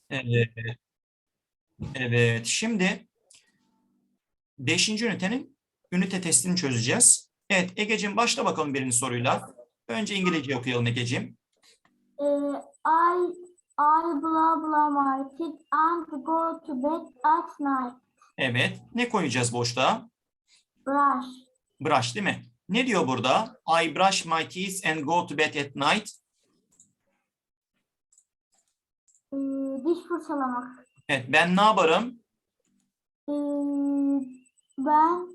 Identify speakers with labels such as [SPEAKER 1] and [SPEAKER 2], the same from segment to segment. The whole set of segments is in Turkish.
[SPEAKER 1] Evet, evet. Şimdi 5. ünitenin ünite testini çözeceğiz. Evet, Egeciğim başla bakalım birinci soruyla. Önce İngilizce okuyalım Egeciğim.
[SPEAKER 2] I blah blah my teeth and go to bed at night.
[SPEAKER 1] Evet. Ne koyacağız boşluğa?
[SPEAKER 2] Brush.
[SPEAKER 1] Brush değil mi? Ne diyor burada? I brush my teeth and go to bed at night.
[SPEAKER 2] Diş fırçalamak.
[SPEAKER 1] Evet, ben ne yaparım?
[SPEAKER 2] Ben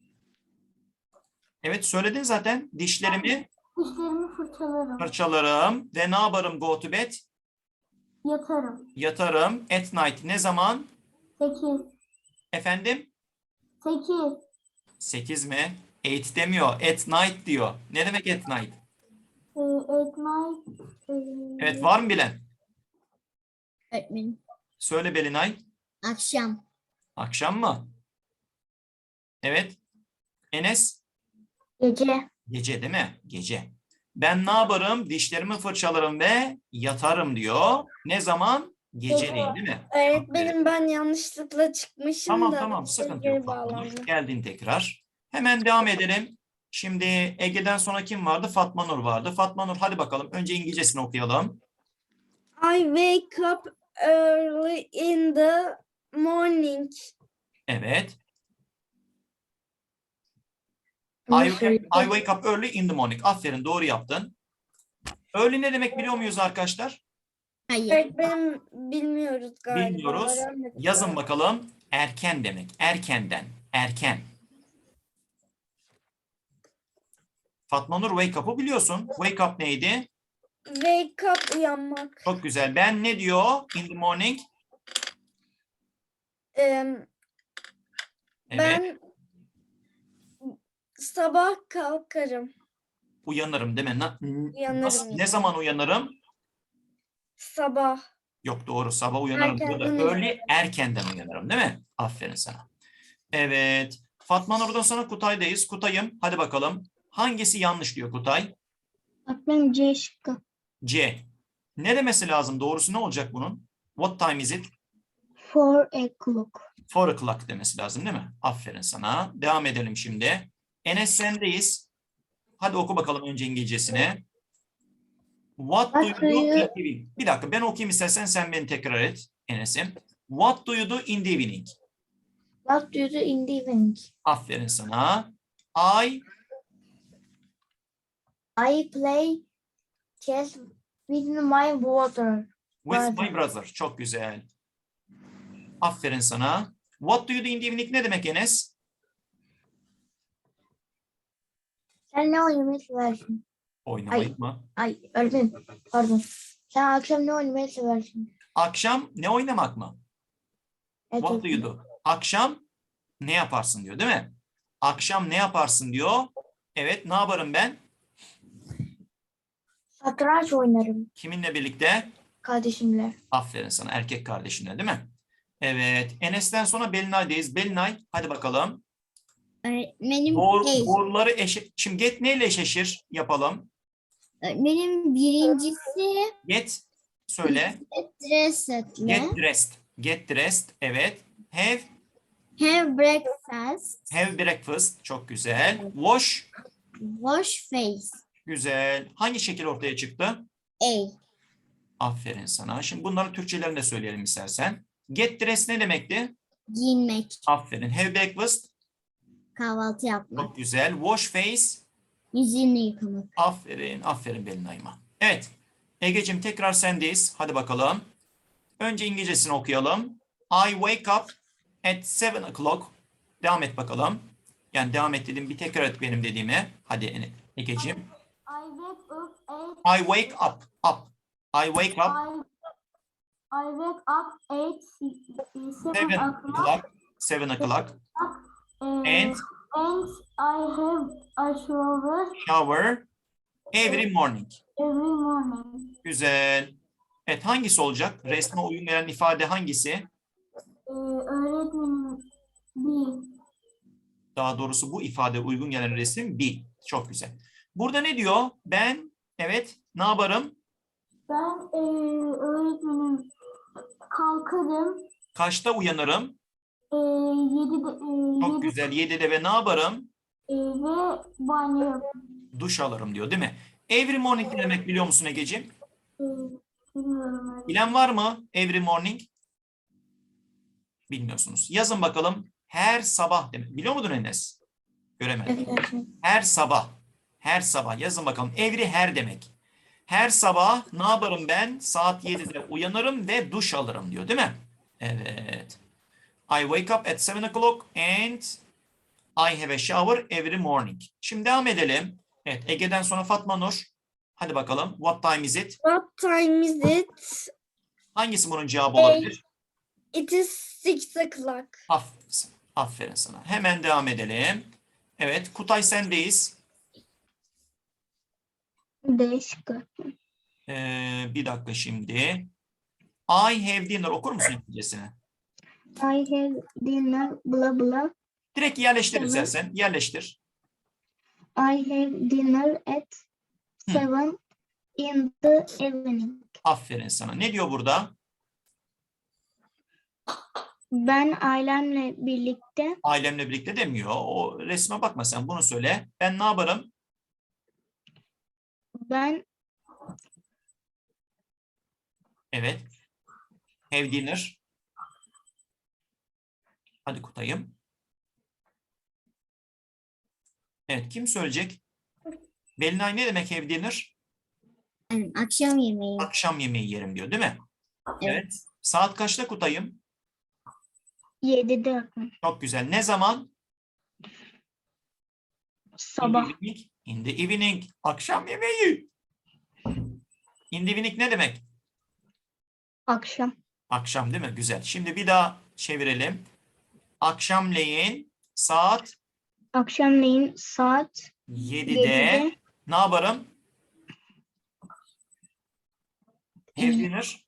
[SPEAKER 1] Evet, söyledin zaten. Dişlerimi
[SPEAKER 2] dişlerimi fırçalarım.
[SPEAKER 1] fırçalarım ve ne yaparım go to bed?
[SPEAKER 2] Yatarım.
[SPEAKER 1] Yatarım. At night ne zaman?
[SPEAKER 2] 8.
[SPEAKER 1] Efendim?
[SPEAKER 2] 8.
[SPEAKER 1] 8 mi? 8 demiyor. At night diyor. Ne demek at night?
[SPEAKER 2] At night.
[SPEAKER 1] Evet, var mı bilen?
[SPEAKER 3] Öğretmenim.
[SPEAKER 1] Söyle Belinay.
[SPEAKER 3] Akşam.
[SPEAKER 1] Akşam mı? Evet. Enes?
[SPEAKER 2] Gece.
[SPEAKER 1] Gece değil mi? Gece. Ben ne yaparım? Dişlerimi fırçalarım ve yatarım diyor. Ne zaman? Geceleyin değil mi?
[SPEAKER 3] Öğretmenim ben yanlışlıkla çıkmışım
[SPEAKER 1] Tamam
[SPEAKER 3] da.
[SPEAKER 1] tamam sıkıntı
[SPEAKER 3] geri
[SPEAKER 1] yok. Fatma Nur.
[SPEAKER 3] bağlandı.
[SPEAKER 1] Geldin tekrar. Hemen devam edelim. Şimdi Ege'den sonra kim vardı? Fatma Nur vardı. Fatma Nur hadi bakalım. Önce İngilizcesini okuyalım.
[SPEAKER 3] I wake up early in the morning.
[SPEAKER 1] Evet. I wake up early in the morning. Aferin doğru yaptın. Early ne demek biliyor muyuz arkadaşlar?
[SPEAKER 3] Hayır. Öğretmenim bilmiyoruz galiba.
[SPEAKER 1] Bilmiyoruz.
[SPEAKER 3] Öğrenmedik
[SPEAKER 1] Yazın
[SPEAKER 3] galiba.
[SPEAKER 1] bakalım. Erken demek. Erkenden. Erken. Fatma Nur wake up'ı biliyorsun. Wake up neydi?
[SPEAKER 3] Wake up uyanmak.
[SPEAKER 1] Çok güzel. Ben ne diyor? In the morning.
[SPEAKER 3] Evet. Ben sabah kalkarım.
[SPEAKER 1] Uyanırım değil mi?
[SPEAKER 3] Uyanırım.
[SPEAKER 1] Ne zaman uyanırım?
[SPEAKER 3] Sabah.
[SPEAKER 1] Yok doğru. Sabah uyanırım.
[SPEAKER 3] Erkenden
[SPEAKER 1] Burada
[SPEAKER 3] uyanırım.
[SPEAKER 1] early erkenden uyanırım değil mi? Aferin sana. Evet. Fatma Nur'dan sonra Kutay'dayız. Kutay'ım hadi bakalım. Hangisi yanlış diyor Kutay?
[SPEAKER 2] Öğretmenim C şıkkı.
[SPEAKER 1] C. Ne demesi lazım? Doğrusu ne olacak bunun? What time is it?
[SPEAKER 2] 4 o'clock.
[SPEAKER 1] 4 o'clock demesi lazım değil mi? Aferin sana. Devam edelim şimdi. Enes sendeyiz. Hadi oku bakalım önce İngilizcesini. What do you do in the evening? Bir dakika ben okuyayım istersen sen beni tekrar et Enes'im. What do you do in the evening?
[SPEAKER 2] What do you do in the evening?
[SPEAKER 1] Aferin sana.
[SPEAKER 2] I play chess with my brother.
[SPEAKER 1] With my brother. Çok güzel. Aferin sana. What do you do in the evening ne demek Enes?
[SPEAKER 2] Sen ne oynamayı seversin?
[SPEAKER 1] Oynamayı mı?
[SPEAKER 2] Ay öğretmenim pardon. Sen akşam ne oynamayı seversin?
[SPEAKER 1] Akşam ne oynamak mı?
[SPEAKER 2] Evet,
[SPEAKER 1] What do you do? Akşam ne yaparsın diyor değil mi? Akşam ne yaparsın diyor. Evet ne yaparım ben?
[SPEAKER 2] Satranç oynarım
[SPEAKER 1] Kiminle birlikte?
[SPEAKER 2] kardeşimle.
[SPEAKER 1] Aferin sana erkek kardeşinle değil mi? Evet Enes'ten sonra Belinay'dayız. Belinay hadi bakalım.
[SPEAKER 3] Öğretmenim
[SPEAKER 1] Doğruları şimdi get neyle eşleşir yapalım.
[SPEAKER 3] Öğretmenim birincisi
[SPEAKER 1] Get söyle.
[SPEAKER 3] dressed.
[SPEAKER 1] Get dressed. Get dressed. Evet.
[SPEAKER 3] Have breakfast.
[SPEAKER 1] Have breakfast. Çok güzel. Wash.
[SPEAKER 3] Wash face.
[SPEAKER 1] Güzel. Hangi şekil ortaya çıktı?
[SPEAKER 3] A.
[SPEAKER 1] Aferin sana. Şimdi bunların Türkçelerini de söyleyelim istersen. Get dressed ne demekti?
[SPEAKER 3] Giyinmek.
[SPEAKER 1] Aferin. Have breakfast.
[SPEAKER 3] Kahvaltı yapmak.
[SPEAKER 1] Çok güzel. Wash face.
[SPEAKER 3] Yüzünü yıkamak.
[SPEAKER 1] Aferin. Aferin Belinay'ıma. Evet. Egeciğim tekrar sendeyiz. Hadi bakalım. Önce İngilizcesini okuyalım. I wake up at 7 o'clock. Devam et bakalım. Yani devam et dedim. Bir tekrar et benim dediğimi. Hadi Egeciğim.
[SPEAKER 2] I
[SPEAKER 1] I wake up. Up. I wake up
[SPEAKER 2] I wake up 7
[SPEAKER 1] 7
[SPEAKER 2] o'clock.
[SPEAKER 1] o'clock. 7 o'clock. And
[SPEAKER 2] And I have a
[SPEAKER 1] shower every morning.
[SPEAKER 2] every morning.
[SPEAKER 1] Güzel. Evet hangisi olacak? Resme uyum veren ifade hangisi?
[SPEAKER 2] Öğretmenim bir.
[SPEAKER 1] Daha doğrusu bu ifade uygun gelen resim bir. Çok güzel. Burada ne diyor? Ben evet ne yaparım?
[SPEAKER 2] Ben öğretmenim Kalkarım.
[SPEAKER 1] Kaçta uyanırım?
[SPEAKER 2] 7'de,
[SPEAKER 1] Çok güzel. 7'de ve ne yaparım?
[SPEAKER 2] ve banyo yaparım.
[SPEAKER 1] Duş alırım diyor değil mi? Every morning ne demek biliyor musun Egeciğim?
[SPEAKER 2] E, bilmiyorum öyle.
[SPEAKER 1] Bilen var mı? Every morning. Bilmiyorsunuz. Yazın bakalım. Her sabah demek. Biliyor muydun Enes? Göremedim. Her sabah. Her sabah. Yazın bakalım. Every her demek. Her sabah ne yaparım ben? Saat 7'de uyanırım ve duş alırım diyor değil mi? Evet. I wake up at 7 o'clock and I have a shower every morning. Şimdi devam edelim. Evet, Ege'den sonra Fatma Nur. Hadi bakalım. What time is it?
[SPEAKER 4] What time is it?
[SPEAKER 1] Hangisi bunun cevabı olabilir?
[SPEAKER 4] It is 6 o'clock.
[SPEAKER 1] Aferin, aferin sana. Hemen devam edelim. Evet, Kutay sendeyiz.
[SPEAKER 3] Değişik.
[SPEAKER 1] Bir dakika şimdi. I have dinner okur musun İngilizcesini?
[SPEAKER 3] I have dinner blah blah.
[SPEAKER 1] Direkt yerleştir
[SPEAKER 3] Tamam.
[SPEAKER 1] istersen. Yerleştir.
[SPEAKER 3] I have dinner at 7 in the evening.
[SPEAKER 1] Aferin sana. Ne diyor burada?
[SPEAKER 3] Ben ailemle birlikte
[SPEAKER 1] Ailemle birlikte demiyor. O resme bakma sen. Bunu söyle. Ben ne yaparım?
[SPEAKER 3] ben
[SPEAKER 1] Evet. Have dinner. Hadi Kutay'ım. Evet. Kim söyleyecek? Belinay ne demek have dinner?
[SPEAKER 3] yani akşam yemeği.
[SPEAKER 1] Akşam yemeği yerim diyor değil mi?
[SPEAKER 3] Evet.
[SPEAKER 1] Evet. Saat kaçta Kutay'ım?
[SPEAKER 3] 7'de
[SPEAKER 1] Çok güzel. Ne zaman?
[SPEAKER 3] sabah.
[SPEAKER 1] In the evening. In the evening. Akşam yemeği. In the evening ne demek?
[SPEAKER 3] Akşam.
[SPEAKER 1] Akşam değil mi? Güzel. Şimdi bir daha çevirelim. Akşamleyin saat
[SPEAKER 3] Akşamleyin saat
[SPEAKER 1] 7'de
[SPEAKER 3] 7'de
[SPEAKER 1] ne yaparım? Have dinner.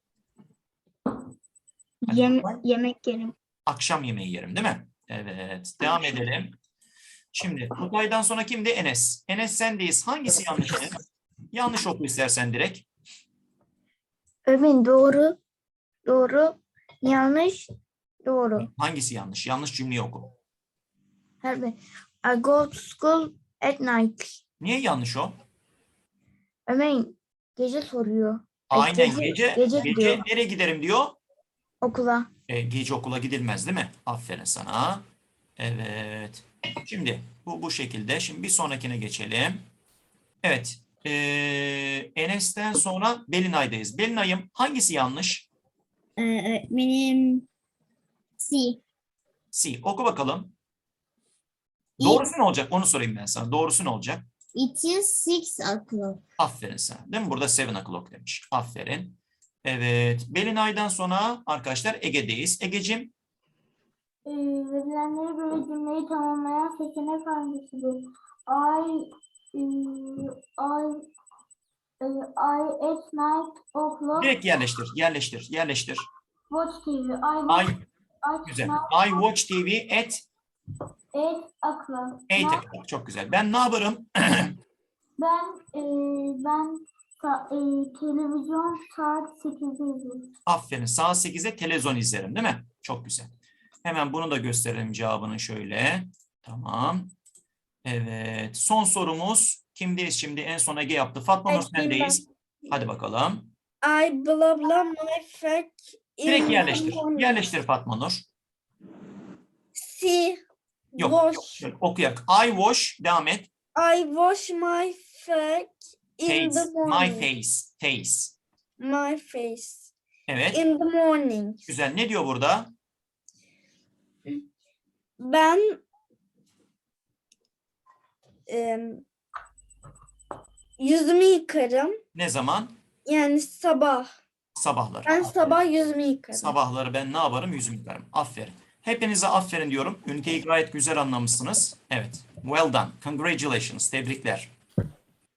[SPEAKER 1] Hadi bakalım.
[SPEAKER 3] yemek yerim.
[SPEAKER 1] Akşam yemeği yerim değil mi? Evet. Devam edelim. Şimdi Kutay'dan sonra kimdi? Enes. Enes sendeyiz. Hangisi yanlış Enes? Yanlış oku istersen direkt.
[SPEAKER 3] Ömin doğru. Doğru. Yanlış. Doğru.
[SPEAKER 1] Hangisi yanlış? Yanlış cümleyi oku.
[SPEAKER 3] Her bir. I go to school at night.
[SPEAKER 1] Niye yanlış o?
[SPEAKER 3] Ömin gece soruyor.
[SPEAKER 1] Aynen
[SPEAKER 3] gece
[SPEAKER 1] gece
[SPEAKER 3] diyor.
[SPEAKER 1] nereye giderim diyor.
[SPEAKER 3] Okula.
[SPEAKER 1] Gece okula gidilmez değil mi? Aferin sana. Evet. Şimdi bu şekilde. Şimdi bir sonrakine geçelim. Evet. Enes'ten sonra Belinay'dayız. Belinay'ım hangisi yanlış?
[SPEAKER 3] Benim C.
[SPEAKER 1] C. Oku bakalım. Doğrusu ne olacak? Onu sorayım ben sana. Doğrusu ne olacak?
[SPEAKER 3] It is 6 o'clock.
[SPEAKER 1] Aferin sana. Değil mi? Burada 7 o'clock demiş. Aferin. Evet. Belinay'dan sonra arkadaşlar Ege'deyiz. Egeciğim.
[SPEAKER 2] Verilenlere göre cümleyi tamamlayan seçenek hangisidir? I at night o'clock
[SPEAKER 1] Direkt yerleştir. Yerleştir. Yerleştir.
[SPEAKER 2] watch TV.
[SPEAKER 1] Güzel.
[SPEAKER 2] Night
[SPEAKER 1] I watch TV at
[SPEAKER 2] 8 o'clock.
[SPEAKER 1] 8 o'clock. Çok güzel. Ben ne yaparım?
[SPEAKER 2] Ben televizyon saat 8'de izliyorum.
[SPEAKER 1] Aferin. Saat 8'de televizyon izlerim değil mi? Çok güzel. Hemen bunu da gösterelim cevabını şöyle. Tamam. Evet. Son sorumuz. Kimdeyiz şimdi? En son Ege yaptı. Fatma Nur sendeyiz. Hadi bakalım.
[SPEAKER 4] I blah blah my friend in
[SPEAKER 1] Direkt
[SPEAKER 4] the
[SPEAKER 1] yerleştir.
[SPEAKER 4] morning.
[SPEAKER 1] Yerleştir Fatma Nur.
[SPEAKER 4] See,
[SPEAKER 1] Yok.
[SPEAKER 4] wash.
[SPEAKER 1] Şöyle okuyak. I wash. Devam et.
[SPEAKER 4] I wash my face in the
[SPEAKER 1] Face. My
[SPEAKER 4] morning.
[SPEAKER 1] face. Face.
[SPEAKER 4] My face
[SPEAKER 1] Evet.
[SPEAKER 4] in the morning.
[SPEAKER 1] Güzel. Ne diyor burada?
[SPEAKER 4] Ben yüzümü yıkarım.
[SPEAKER 1] Ne zaman?
[SPEAKER 4] Yani sabah.
[SPEAKER 1] Sabahları.
[SPEAKER 4] Ben
[SPEAKER 1] Aferin.
[SPEAKER 4] sabah yüzümü yıkarım.
[SPEAKER 1] Sabahları ben ne yaparım? Yüzümü yıkarım. Aferin. Hepinize aferin diyorum. Üniteyi gayet güzel anlamışsınız. Evet. Well done. Congratulations. Tebrikler.